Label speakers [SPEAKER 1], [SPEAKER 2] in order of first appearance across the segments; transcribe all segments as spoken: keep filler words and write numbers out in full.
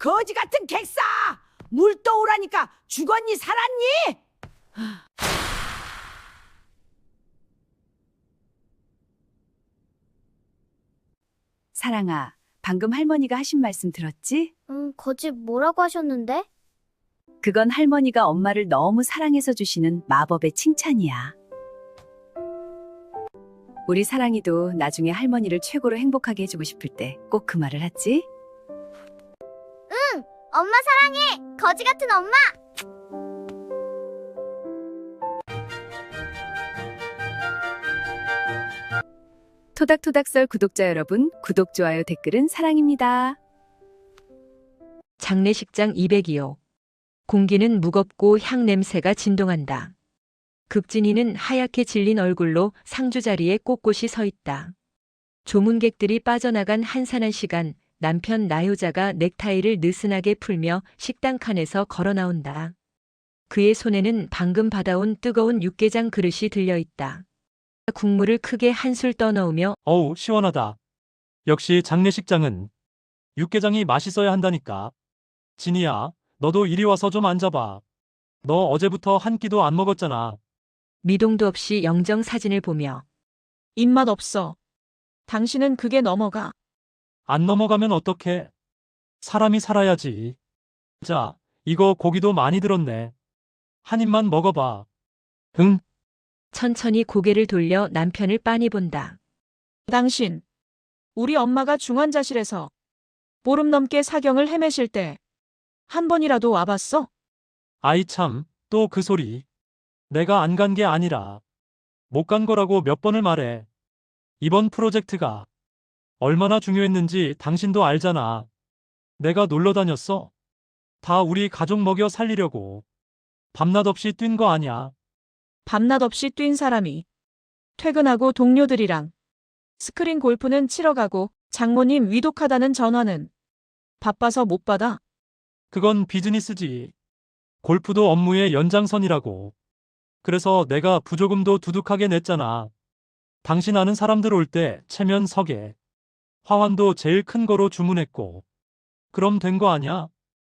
[SPEAKER 1] 거지 같은 객사! 물 떠오라니까 죽었니 살았니?
[SPEAKER 2] 사랑아, 방금 할머니가 하신 말씀 들었지?
[SPEAKER 3] 음, 거지 뭐라고 하셨는데?
[SPEAKER 2] 그건 할머니가 엄마를 너무 사랑해서 주시는 마법의 칭찬이야. 우리 사랑이도 나중에 할머니를 최고로 행복하게 해주고 싶을 때 꼭 그 말을 하지?
[SPEAKER 3] 엄마 사랑해! 거지 같은 엄마!
[SPEAKER 2] 토닥토닥썰 구독자 여러분, 구독, 좋아요, 댓글은 사랑입니다.
[SPEAKER 4] 장례식장 이백이 호. 공기는 무겁고 향 냄새가 진동한다. 극진이는 하얗게 질린 얼굴로 상주 자리에 꼿꼿이 서 있다. 조문객들이 빠져나간 한산한 시간, 남편 나효자가 넥타이를 느슨하게 풀며 식당 칸에서 걸어 나온다. 그의 손에는 방금 받아온 뜨거운 육개장 그릇이 들려 있다. 국물을 크게 한술 떠넣으며
[SPEAKER 5] 어우, 시원하다. 역시 장례식장은 육개장이 맛있어야 한다니까. 진이야, 너도 이리 와서 좀 앉아봐. 너 어제부터 한 끼도 안 먹었잖아.
[SPEAKER 4] 미동도 없이 영정 사진을 보며
[SPEAKER 6] 입맛 없어. 당신은 그게 넘어가.
[SPEAKER 5] 안 넘어가면 어떡해? 사람이 살아야지. 자, 이거 고기도 많이 들었네. 한 입만 먹어봐. 응?
[SPEAKER 4] 천천히 고개를 돌려 남편을 빤히 본다.
[SPEAKER 6] 당신, 우리 엄마가 중환자실에서 보름 넘게 사경을 헤매실 때 한 번이라도 와봤어?
[SPEAKER 5] 아이 참, 또 그 소리. 내가 안 간 게 아니라 못 간 거라고 몇 번을 말해. 이번 프로젝트가 얼마나 중요했는지 당신도 알잖아. 내가 놀러 다녔어. 다 우리 가족 먹여 살리려고. 밤낮 없이 뛴 거 아냐.
[SPEAKER 6] 밤낮 없이 뛴 사람이 퇴근하고 동료들이랑 스크린 골프는 치러 가고 장모님 위독하다는 전화는 바빠서 못 받아.
[SPEAKER 5] 그건 비즈니스지. 골프도 업무의 연장선이라고. 그래서 내가 부조금도 두둑하게 냈잖아. 당신 아는 사람들 올 때 체면 서게. 화환도 제일 큰 거로 주문했고. 그럼 된 거 아냐?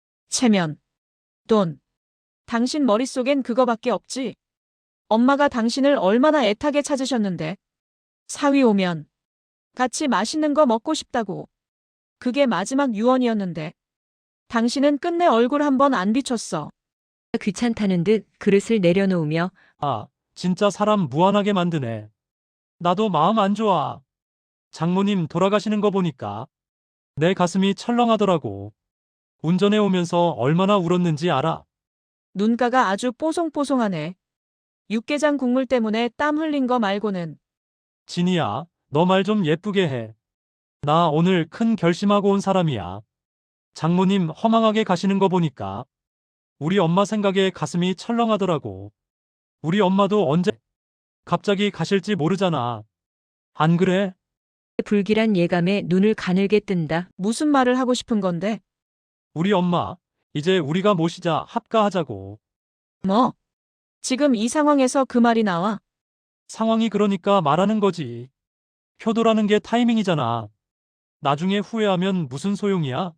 [SPEAKER 6] 체면, 돈. 당신 머릿속엔 그거밖에 없지. 엄마가 당신을 얼마나 애타게 찾으셨는데. 사위 오면 같이 맛있는 거 먹고 싶다고. 그게 마지막 유언이었는데. 당신은 끝내 얼굴 한 번 안 비췄어.
[SPEAKER 4] 귀찮다는 듯 그릇을 내려놓으며
[SPEAKER 5] 아, 진짜 사람 무안하게 만드네. 나도 마음 안 좋아. 장모님 돌아가시는 거 보니까 내 가슴이 철렁하더라고. 운전해 오면서 얼마나 울었는지 알아?
[SPEAKER 6] 눈가가 아주 뽀송뽀송하네. 육개장 국물 때문에 땀 흘린 거 말고는.
[SPEAKER 5] 진이야, 너 말 좀 예쁘게 해. 나 오늘 큰 결심하고 온 사람이야. 장모님 허망하게 가시는 거 보니까 우리 엄마 생각에 가슴이 철렁하더라고. 우리 엄마도 언제 갑자기 가실지 모르잖아. 안 그래?
[SPEAKER 4] 불길한 예감에 눈을 가늘게 뜬다.
[SPEAKER 6] 무슨 말을 하고 싶은 건데?
[SPEAKER 5] 우리 엄마, 이제 우리가 모시자 합가하자고.
[SPEAKER 6] 뭐? 지금 이 상황에서 그 말이 나와?
[SPEAKER 5] 상황이 그러니까 말하는 거지. 효도라는 게 타이밍이잖아. 나중에 후회하면 무슨 소용이야?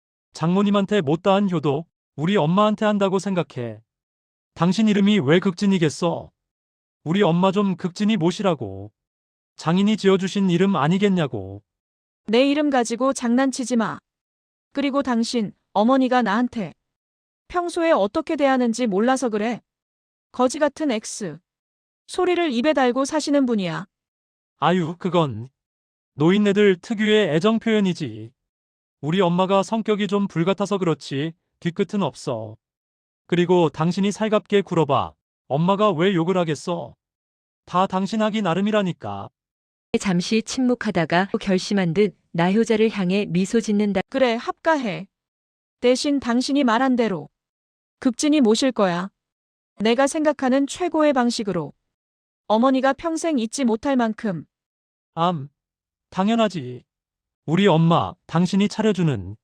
[SPEAKER 5] 장모님한테 못다한 효도, 우리 엄마한테 한다고 생각해. 당신 이름이 왜 극진이겠어? 우리 엄마 좀 극진이 모시라고. 장인이 지어주신 이름 아니겠냐고.
[SPEAKER 6] 내 이름 가지고 장난치지 마. 그리고 당신, 어머니가 나한테 평소에 어떻게 대하는지 몰라서 그래. 거지 같은 X. 소리를 입에 달고 사시는 분이야.
[SPEAKER 5] 아유, 그건 노인네들 특유의 애정 표현이지. 우리 엄마가 성격이 좀 불같아서 그렇지 뒤끝은 없어. 그리고 당신이 살갑게 굴어봐. 엄마가 왜 욕을 하겠어? 다 당신 하기 나름이라니까.
[SPEAKER 4] 잠시 침묵하다가 결심한 듯 나효자를 향해 미소 짓는다.
[SPEAKER 6] 그래, 합가해. 대신 당신이 말한 대로 극진이 모실 거야. 내가 생각하는 최고의 방식으로. 어머니가 평생 잊지 못할 만큼.
[SPEAKER 5] 암, 당연하지. 우리 엄마, 당신이 차려주는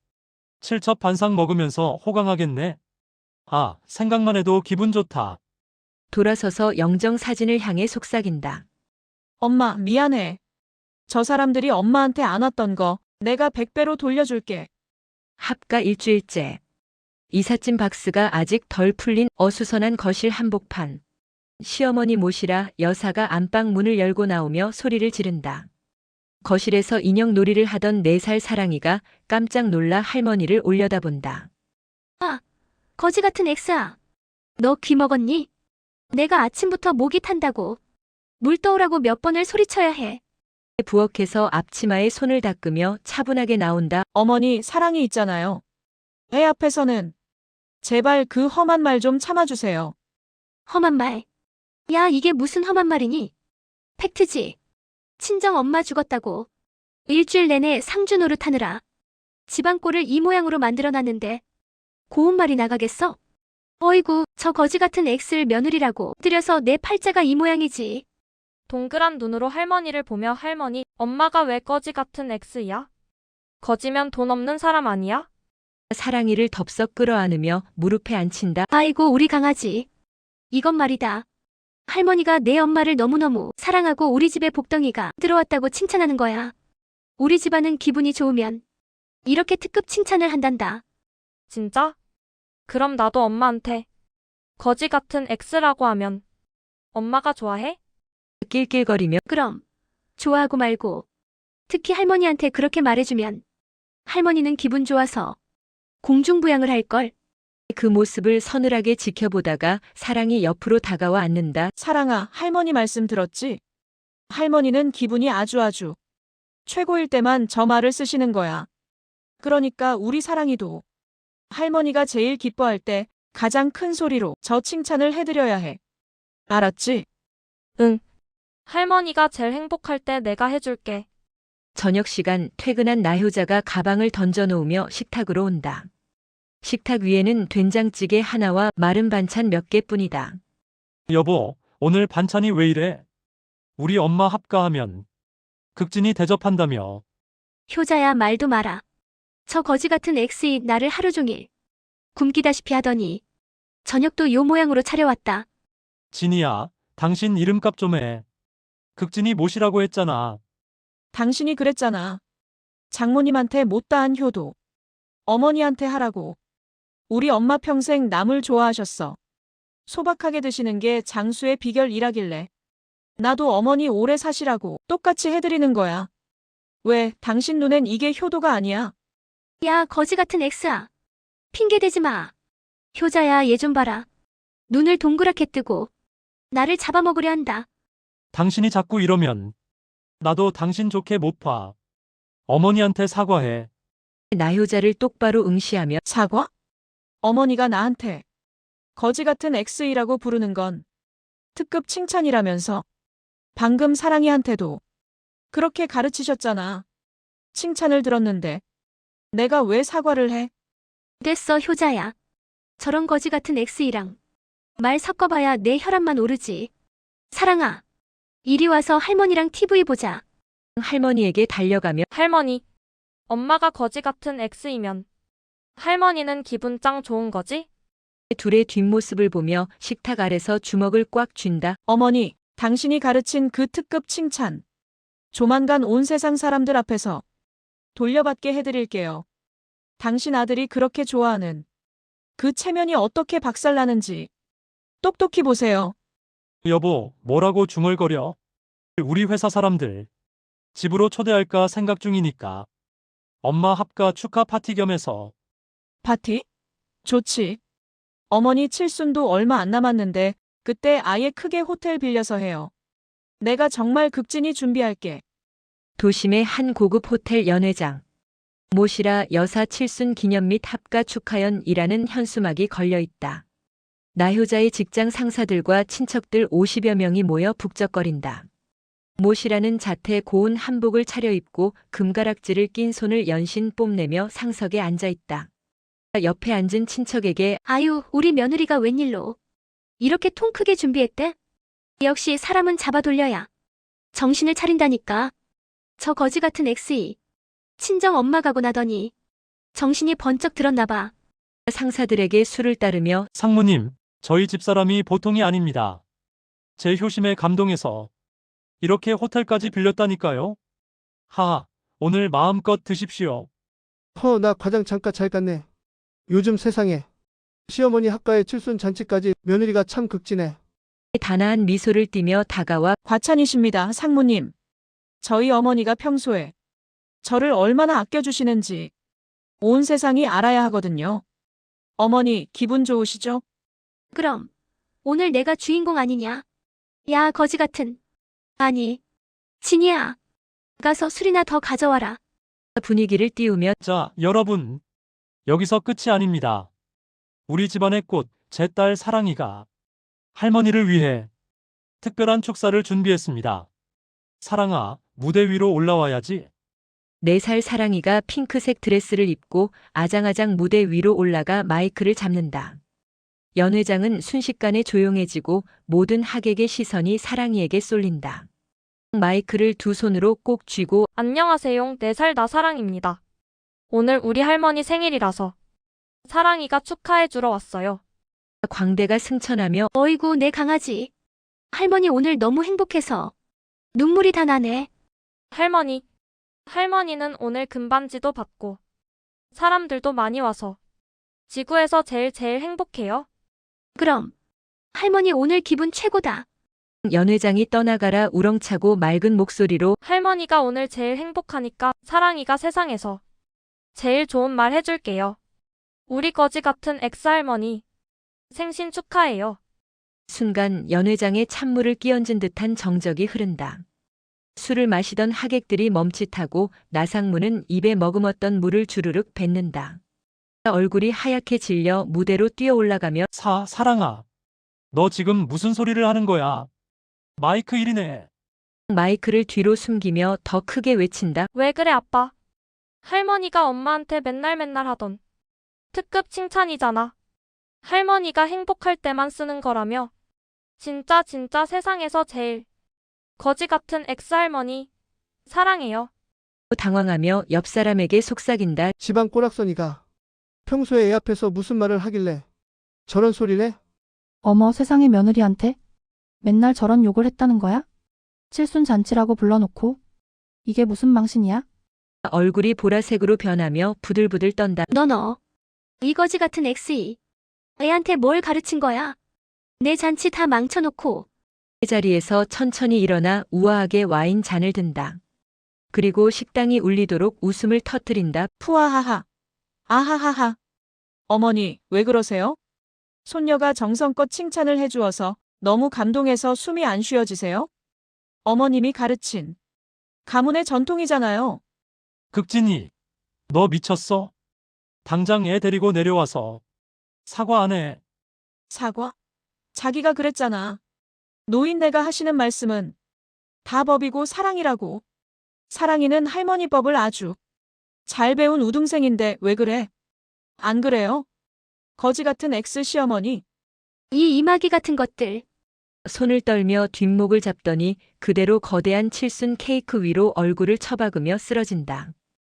[SPEAKER 5] 칠첩반상 먹으면서 호강하겠네. 아, 생각만 해도 기분 좋다.
[SPEAKER 4] 돌아서서 영정 사진을 향해 속삭인다.
[SPEAKER 6] 엄마, 미안해. 저 사람들이 엄마한테 안 왔던 거 내가 백 배로 돌려줄게.
[SPEAKER 4] 합가 일주일째. 이삿짐 박스가 아직 덜 풀린 어수선한 거실 한복판. 시어머니 모시라 여사가 안방 문을 열고 나오며 소리를 지른다. 거실에서 인형 놀이를 하던 네 살 사랑이가 깜짝 놀라 할머니를 올려다본다.
[SPEAKER 7] 거지 같은 엑스야. 너 귀 먹었니? 내가 아침부터 목이 탄다고. 물 떠오라고 몇 번을 소리쳐야 해.
[SPEAKER 4] 부엌에서 앞치마에 손을 닦으며 차분하게 나온다.
[SPEAKER 6] 어머니 사랑이 있잖아요. 애 앞에서는 제발 그 험한 말 좀 참아주세요.
[SPEAKER 7] 험한 말. 야, 이게 무슨 험한 말이니? 팩트지. 친정 엄마 죽었다고. 일주일 내내 상주 노릇하느라 집안꼴을 이 모양으로 만들어놨는데 고운 말이 나가겠어? 어이구, 저 거지 같은 엑스를 며느리라고 들여서 내 팔자가 이 모양이지.
[SPEAKER 8] 동그란 눈으로 할머니를 보며 할머니, 엄마가 왜 거지 같은 엑스야? 거지면 돈 없는 사람 아니야?
[SPEAKER 4] 사랑이를 덥석 끌어안으며 무릎에 앉힌다.
[SPEAKER 7] 아이고, 우리 강아지. 이건 말이다. 할머니가 내 엄마를 너무너무 사랑하고 우리 집에 복덩이가 들어왔다고 칭찬하는 거야. 우리 집안은 기분이 좋으면 이렇게 특급 칭찬을 한단다.
[SPEAKER 8] 진짜? 그럼 나도 엄마한테 거지 같은 엑스라고 하면 엄마가 좋아해?
[SPEAKER 4] 낄낄거리며
[SPEAKER 7] 그럼 좋아하고 말고 특히 할머니한테 그렇게 말해주면 할머니는 기분 좋아서 공중부양을 할걸.
[SPEAKER 4] 그 모습을 서늘하게 지켜보다가 사랑이 옆으로 다가와 앉는다.
[SPEAKER 6] 사랑아, 할머니 말씀 들었지? 할머니는 기분이 아주 아주 최고일 때만 저 말을 쓰시는 거야. 그러니까 우리 사랑이도 할머니가 제일 기뻐할 때 가장 큰 소리로 저 칭찬을 해드려야 해. 알았지?
[SPEAKER 8] 할머니가 제일 행복할 때 내가 해줄게.
[SPEAKER 4] 저녁 시간 퇴근한 나효자가 가방을 던져놓으며 식탁으로 온다. 식탁 위에는 된장찌개 하나와 마른 반찬 몇 개뿐이다.
[SPEAKER 5] 여보, 오늘 반찬이 왜 이래? 우리 엄마 합가하면 극진이 대접한다며.
[SPEAKER 7] 효자야, 말도 마라. 저 거지 같은 엑스이 나를 하루 종일 굶기다시피 하더니 저녁도 요 모양으로 차려왔다.
[SPEAKER 5] 진이야, 당신 이름값 좀 해. 극진이 모시라고 했잖아.
[SPEAKER 6] 당신이 그랬잖아. 장모님한테 못다한 효도 어머니한테 하라고. 우리 엄마 평생 남을 좋아하셨어. 소박하게 드시는 게 장수의 비결이라길래 나도 어머니 오래 사시라고 똑같이 해드리는 거야. 왜 당신 눈엔 이게 효도가 아니야?
[SPEAKER 7] 야, 거지 같은 엑스야. 핑계대지 마. 효자야, 얘 좀 봐라. 눈을 동그랗게 뜨고 나를 잡아먹으려 한다.
[SPEAKER 5] 당신이 자꾸 이러면 나도 당신 좋게 못 봐. 어머니한테 사과해.
[SPEAKER 4] 나효자를 똑바로 응시하며
[SPEAKER 6] 사과? 어머니가 나한테 거지 같은 엑스이라고 부르는 건 특급 칭찬이라면서. 방금 사랑이한테도 그렇게 가르치셨잖아. 칭찬을 들었는데 내가 왜 사과를 해?
[SPEAKER 7] 됐어, 효자야. 저런 거지 같은 엑스이랑 말 섞어봐야 내 혈압만 오르지. 사랑아, 이리 와서 할머니랑 티비 보자.
[SPEAKER 4] 할머니에게 달려가며
[SPEAKER 8] 할머니, 엄마가 거지 같은 엑스이면 할머니는 기분 짱 좋은 거지?
[SPEAKER 4] 둘의 뒷모습을 보며 식탁 아래서 주먹을 꽉 쥔다.
[SPEAKER 6] 어머니, 당신이 가르친 그 특급 칭찬 조만간 온 세상 사람들 앞에서 돌려받게 해드릴게요. 당신 아들이 그렇게 좋아하는 그 체면이 어떻게 박살나는지 똑똑히 보세요.
[SPEAKER 5] 여보, 뭐라고 중얼거려? 우리 회사 사람들 집으로 초대할까 생각 중이니까. 엄마 합가 축하 파티 겸해서.
[SPEAKER 6] 파티? 좋지. 어머니 칠순도 얼마 안 남았는데 그때 아예 크게 호텔 빌려서 해요. 내가 정말 극진히 준비할게.
[SPEAKER 4] 도심의 한 고급 호텔 연회장. 모시라 여사 칠순 기념 및 합가 축하연이라는 현수막이 걸려 있다. 나효자의 직장 상사들과 친척들 오십여 명이 모여 북적거린다. 모시라는 자태 고운 한복을 차려입고 금가락지를 낀 손을 연신 뽐내며 상석에 앉아 있다. 옆에 앉은 친척에게
[SPEAKER 7] 아유, 우리 며느리가 웬일로 이렇게 통 크게 준비했대? 역시 사람은 잡아돌려야 정신을 차린다니까. 저 거지 같은 엑스이 친정 엄마 가고 나더니 정신이 번쩍 들었나 봐.
[SPEAKER 4] 상사들에게 술을 따르며
[SPEAKER 5] 상무님, 저희 집사람이 보통이 아닙니다. 제 효심에 감동해서 이렇게 호텔까지 빌렸다니까요. 하하, 오늘 마음껏 드십시오.
[SPEAKER 9] 허, 나 과장 잠깐 잘 갔네. 요즘 세상에 시어머니 학가에 칠순 잔치까지 며느리가 참 극진해.
[SPEAKER 4] 단아한 미소를 띠며 다가와
[SPEAKER 6] 과찬이십니다, 상무님. 저희 어머니가 평소에 저를 얼마나 아껴주시는지 온 세상이 알아야 하거든요. 어머니, 기분 좋으시죠?
[SPEAKER 7] 그럼 오늘 내가 주인공 아니냐? 야, 거지 같은. 아니, 진이야. 가서 술이나 더 가져와라.
[SPEAKER 4] 분위기를 띄우며
[SPEAKER 5] 자, 여러분. 여기서 끝이 아닙니다. 우리 집안의 꽃, 제 딸 사랑이가 할머니를 위해 특별한 축사를 준비했습니다. 사랑아, 무대 위로 올라와야지.
[SPEAKER 4] 네 살 사랑이가 핑크색 드레스를 입고 아장아장 무대 위로 올라가 마이크를 잡는다. 연 회장은 순식간에 조용해지고 모든 하객의 시선이 사랑이에게 쏠린다. 마이크를 두 손으로 꼭 쥐고
[SPEAKER 8] 안녕하세요. 네 살 나 사랑입니다. 오늘 우리 할머니 생일이라서 사랑이가 축하해주러 왔어요.
[SPEAKER 4] 광대가 승천하며
[SPEAKER 7] 어이구, 내 강아지. 할머니 오늘 너무 행복해서 눈물이 다 나네.
[SPEAKER 8] 할머니. 할머니는 오늘 금반지도 받고 사람들도 많이 와서 지구에서 제일 제일 행복해요.
[SPEAKER 7] 그럼 할머니 오늘 기분 최고다.
[SPEAKER 4] 연 회장이 떠나가라 우렁차고 맑은 목소리로
[SPEAKER 8] 할머니가 오늘 제일 행복하니까 사랑이가 세상에서 제일 좋은 말 해줄게요. 우리 거지 같은 엑스할머니 생신 축하해요.
[SPEAKER 4] 순간 연 회장의 찬물을 끼얹은 듯한 정적이 흐른다. 술을 마시던 하객들이 멈칫하고 나상무는 입에 머금었던 물을 주르륵 뱉는다. 얼굴이 하얗게 질려 무대로 뛰어 올라가며
[SPEAKER 5] 사, 사랑아. 너 지금 무슨 소리를 하는 거야? 마이크 일이네.
[SPEAKER 4] 마이크를 뒤로 숨기며 더 크게 외친다.
[SPEAKER 8] 왜 그래 아빠? 할머니가 엄마한테 맨날 맨날 하던 특급 칭찬이잖아. 할머니가 행복할 때만 쓰는 거라며. 진짜 진짜 세상에서 제일 거지 같은 엑스할머니 사랑해요.
[SPEAKER 4] 당황하며 옆 사람에게 속삭인다.
[SPEAKER 9] 집안 꼬락서니가 평소에 애 앞에서 무슨 말을 하길래 저런 소리래?
[SPEAKER 10] 어머, 세상에, 며느리한테 맨날 저런 욕을 했다는 거야? 칠순 잔치라고 불러놓고 이게 무슨 망신이야?
[SPEAKER 4] 얼굴이 보라색으로 변하며 부들부들 떤다.
[SPEAKER 7] 너 너. 이 거지 같은 엑스이. 애한테 뭘 가르친 거야? 내 잔치 다 망쳐놓고.
[SPEAKER 4] 자리에서 천천히 일어나 우아하게 와인 잔을 든다. 그리고 식당이 울리도록 웃음을 터뜨린다.
[SPEAKER 6] 푸아하하. 아하하하. 어머니, 왜 그러세요? 손녀가 정성껏 칭찬을 해주어서 너무 감동해서 숨이 안 쉬어지세요? 어머님이 가르친 가문의 전통이잖아요.
[SPEAKER 5] 극진이, 너 미쳤어? 당장 애 데리고 내려와서 사과 안 해.
[SPEAKER 6] 사과? 자기가 그랬잖아. 노인네가 하시는 말씀은 다 법이고 사랑이라고. 사랑이는 할머니 법을 아주 잘 배운 우등생인데 왜 그래? 안 그래요? 거지 같은 엑스 시어머니.
[SPEAKER 7] 이 이마기 같은 것들.
[SPEAKER 4] 손을 떨며 뒷목을 잡더니 그대로 거대한 칠순 케이크 위로 얼굴을 처박으며 쓰러진다.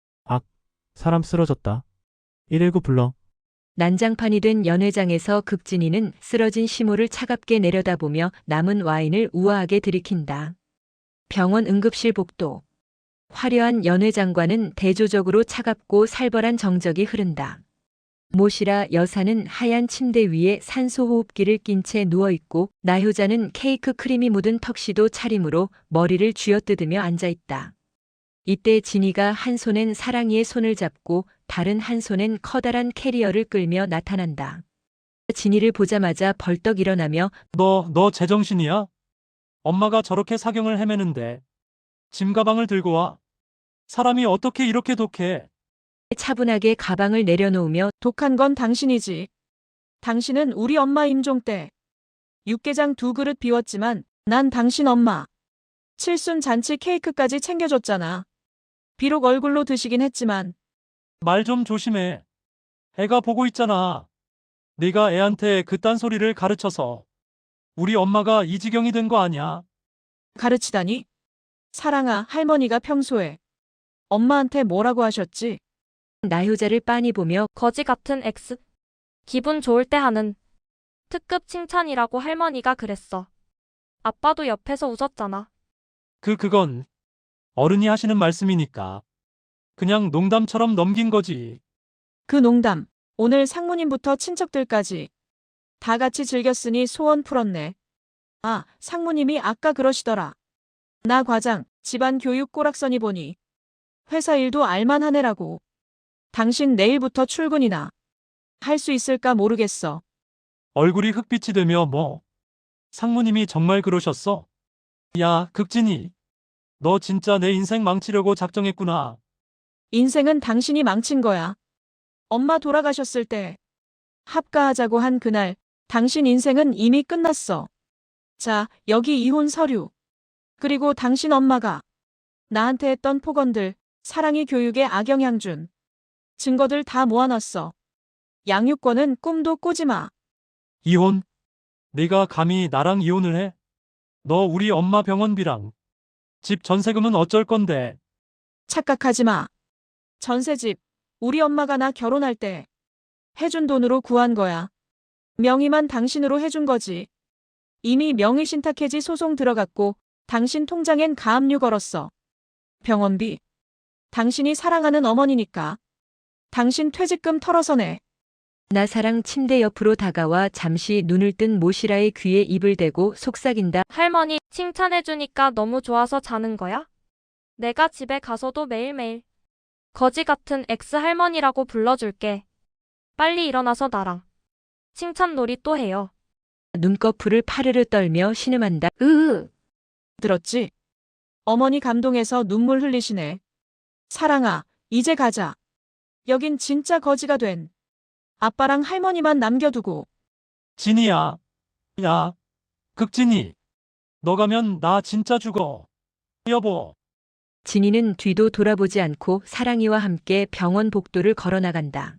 [SPEAKER 11] 사람 쓰러졌다. 일일구 불러.
[SPEAKER 4] 난장판이 된 연회장에서 극진이는 쓰러진 시모를 차갑게 내려다보며 남은 와인을 우아하게 들이킨다. 병원 응급실 복도. 화려한 연회장과는 대조적으로 차갑고 살벌한 정적이 흐른다. 모시라 여사는 하얀 침대 위에 산소호흡기를 낀 채 누워있고 나효자는 케이크 크림이 묻은 턱시도 차림으로 머리를 쥐어뜯으며 앉아있다. 이때 진이가 한 손엔 사랑이의 손을 잡고 다른 한 손엔 커다란 캐리어를 끌며 나타난다. 진이를 보자마자 벌떡 일어나며
[SPEAKER 5] 너, 너 제정신이야? 엄마가 저렇게 사경을 헤매는데 짐 가방을 들고 와. 사람이 어떻게 이렇게 독해?
[SPEAKER 4] 차분하게 가방을 내려놓으며
[SPEAKER 6] 독한 건 당신이지. 당신은 우리 엄마 임종 때 육개장 두 그릇 비웠지만 난 당신 엄마 칠순 잔치 케이크까지 챙겨줬잖아. 비록 얼굴로 드시긴 했지만.
[SPEAKER 5] 말 좀 조심해. 애가 보고 있잖아. 네가 애한테 그딴 소리를 가르쳐서 우리 엄마가 이 지경이 된 거 아니야?
[SPEAKER 6] 가르치다니? 사랑아, 할머니가 평소에 엄마한테 뭐라고 하셨지?
[SPEAKER 4] 나효자를 빤히 보며
[SPEAKER 8] 거지 같은 엑스. 기분 좋을 때 하는 특급 칭찬이라고 할머니가 그랬어. 아빠도 옆에서 웃었잖아.
[SPEAKER 5] 그, 그건 어른이 하시는 말씀이니까. 그냥 농담처럼 넘긴 거지.
[SPEAKER 6] 그 농담, 오늘 상무님부터 친척들까지 다 같이 즐겼으니 소원 풀었네. 아, 상무님이 아까 그러시더라. 나 과장, 집안 교육 꼬락서니 보니 회사 일도 알만하네라고. 당신 내일부터 출근이나 할 수 있을까 모르겠어.
[SPEAKER 5] 얼굴이 흑빛이 되며 뭐. 상무님이 정말 그러셨어? 야, 극진이. 너 진짜 내 인생 망치려고 작정했구나.
[SPEAKER 6] 인생은 당신이 망친 거야. 엄마 돌아가셨을 때 합가하자고 한 그날 당신 인생은 이미 끝났어. 자, 여기 이혼 서류. 그리고 당신 엄마가 나한테 했던 폭언들, 사랑이 교육에 악영향 준 증거들 다 모아놨어. 양육권은 꿈도 꾸지 마.
[SPEAKER 5] 이혼? 네가 감히 나랑 이혼을 해? 너 우리 엄마 병원비랑 집 전세금은 어쩔 건데?
[SPEAKER 6] 착각하지 마. 전세집, 우리 엄마가 나 결혼할 때 해준 돈으로 구한 거야. 명의만 당신으로 해준 거지. 이미 명의신탁해지 소송 들어갔고 당신 통장엔 가압류 걸었어. 병원비. 당신이 사랑하는 어머니니까. 당신 퇴직금 털어서 내.
[SPEAKER 4] 나사랑 침대 옆으로 다가와 잠시 눈을 뜬 모시라의 귀에 입을 대고 속삭인다.
[SPEAKER 8] 할머니, 칭찬해주니까 너무 좋아서 자는 거야? 내가 집에 가서도 매일매일 거지 같은 엑스 할머니라고 불러줄게. 빨리 일어나서 나랑 칭찬놀이 또 해요.
[SPEAKER 4] 눈꺼풀을 파르르 떨며 신음한다.
[SPEAKER 7] 으으.
[SPEAKER 6] 들었지? 어머니 감동해서 눈물 흘리시네. 사랑아, 이제 가자. 여긴 진짜 거지가 된 아빠랑 할머니만 남겨두고.
[SPEAKER 5] 진이야. 야, 극진이. 너 가면 나 진짜 죽어. 여보.
[SPEAKER 4] 진이는 뒤도 돌아보지 않고 사랑이와 함께 병원 복도를 걸어나간다.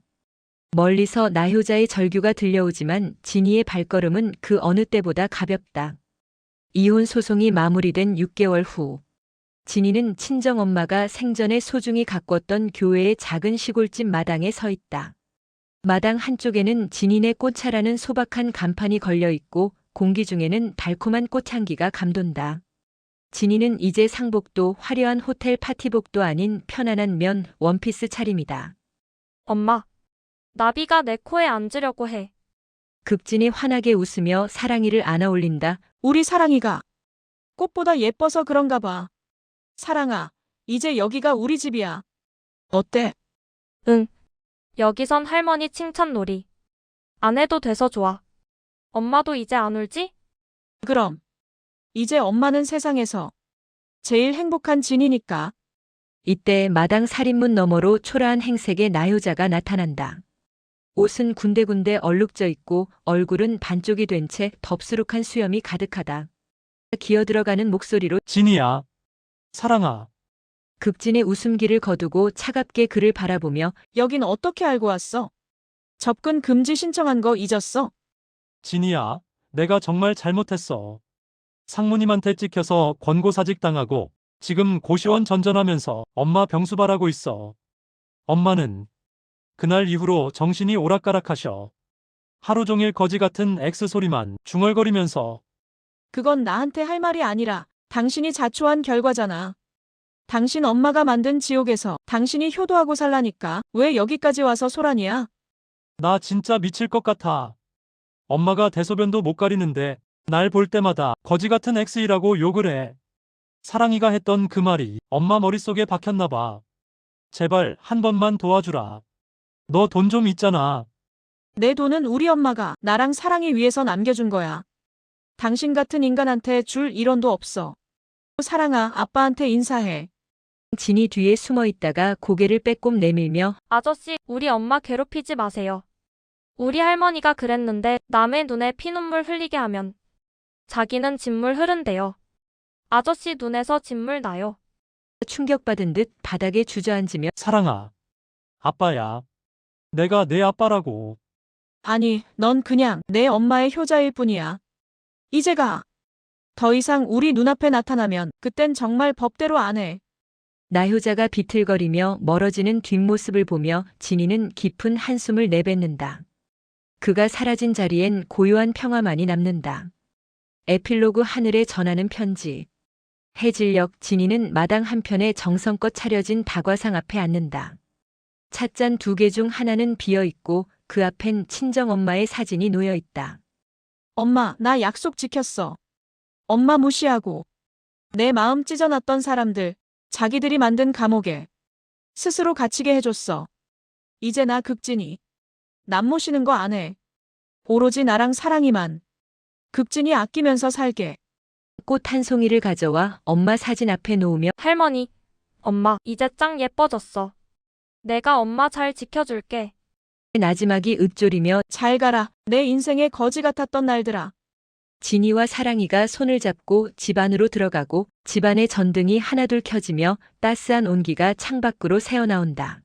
[SPEAKER 4] 멀리서 나효자의 절규가 들려오지만 진이의 발걸음은 그 어느 때보다 가볍다. 이혼 소송이 마무리된 육 개월 후, 진이는 친정엄마가 생전에 소중히 가꿨던 교회의 작은 시골집 마당에 서 있다. 마당 한쪽에는 진인의 꽃차라는 소박한 간판이 걸려 있고 공기 중에는 달콤한 꽃향기가 감돈다. 진이는 이제 상복도 화려한 호텔 파티복도 아닌 편안한 면 원피스 차림이다.
[SPEAKER 8] 엄마, 나비가 내 코에 앉으려고 해.
[SPEAKER 4] 극진이 환하게 웃으며 사랑이를 안아올린다.
[SPEAKER 6] 우리 사랑이가 꽃보다 예뻐서 그런가 봐. 사랑아, 이제 여기가 우리 집이야. 어때?
[SPEAKER 8] 응. 여기선 할머니 칭찬놀이 안 해도 돼서 좋아. 엄마도 이제 안 울지?
[SPEAKER 6] 그럼. 이제 엄마는 세상에서 제일 행복한 진이니까.
[SPEAKER 4] 이때 마당 살인문 너머로 초라한 행색의 나효자가 나타난다. 옷은 군데군데 얼룩져 있고 얼굴은 반쪽이 된 채 덥수룩한 수염이 가득하다. 기어들어가는 목소리로
[SPEAKER 5] 진이야. 사랑아.
[SPEAKER 4] 극진의 웃음기를 거두고 차갑게 그를 바라보며
[SPEAKER 6] 여긴 어떻게 알고 왔어? 접근 금지 신청한 거 잊었어?
[SPEAKER 5] 진이야. 내가 정말 잘못했어. 상무님한테 찍혀서 권고사직 당하고 지금 고시원 전전하면서 엄마 병수발하고 있어. 엄마는 그날 이후로 정신이 오락가락하셔. 하루 종일 거지 같은 엑스 소리만 중얼거리면서.
[SPEAKER 6] 그건 나한테 할 말이 아니라 당신이 자초한 결과잖아. 당신 엄마가 만든 지옥에서 당신이 효도하고 살라니까 왜 여기까지 와서 소란이야?
[SPEAKER 5] 나 진짜 미칠 것 같아. 엄마가 대소변도 못 가리는데 날 볼 때마다 거지 같은 엑스이라고 욕을 해. 사랑이가 했던 그 말이 엄마 머릿속에 박혔나 봐. 제발 한 번만 도와주라. 너 돈 좀 있잖아.
[SPEAKER 6] 내 돈은 우리 엄마가 나랑 사랑이 위해서 남겨준 거야. 당신 같은 인간한테 줄 일원도 없어. 사랑아, 아빠한테 인사해.
[SPEAKER 4] 진이 뒤에 숨어 있다가 고개를 빼꼼 내밀며
[SPEAKER 8] 아저씨, 우리 엄마 괴롭히지 마세요. 우리 할머니가 그랬는데 남의 눈에 피눈물 흘리게 하면 자기는 진물 흐른대요. 아저씨 눈에서 진물 나요.
[SPEAKER 4] 충격받은 듯 바닥에 주저앉으며
[SPEAKER 5] 사랑아. 아빠야. 내가 내 아빠라고.
[SPEAKER 6] 아니, 넌 그냥 내 엄마의 효자일 뿐이야. 이제 가. 더 이상 우리 눈앞에 나타나면 그땐 정말 법대로 안 해.
[SPEAKER 4] 나효자가 비틀거리며 멀어지는 뒷모습을 보며 진이는 깊은 한숨을 내뱉는다. 그가 사라진 자리엔 고요한 평화만이 남는다. 에필로그 하늘에 전하는 편지. 해질녘 진이는 마당 한편에 정성껏 차려진 다과상 앞에 앉는다. 찻잔 두 개 중 하나는 비어 있고 그 앞엔 친정엄마의 사진이 놓여 있다.
[SPEAKER 6] 엄마, 나 약속 지켰어. 엄마 무시하고 내 마음 찢어놨던 사람들, 자기들이 만든 감옥에 스스로 갇히게 해줬어. 이제 나 극진이 남 모시는 거 안 해. 오로지 나랑 사랑이만. 극진이 아끼면서 살게.
[SPEAKER 4] 꽃 한 송이를 가져와 엄마 사진 앞에 놓으며
[SPEAKER 8] 할머니, 엄마, 이제 짱 예뻐졌어. 내가 엄마 잘 지켜줄게.
[SPEAKER 4] 나지막이 읊조리며
[SPEAKER 6] 잘 가라. 내 인생의 거지 같았던 날들아.
[SPEAKER 4] 진이와 사랑이가 손을 잡고 집 안으로 들어가고 집안의 전등이 하나둘 켜지며 따스한 온기가 창밖으로 새어나온다.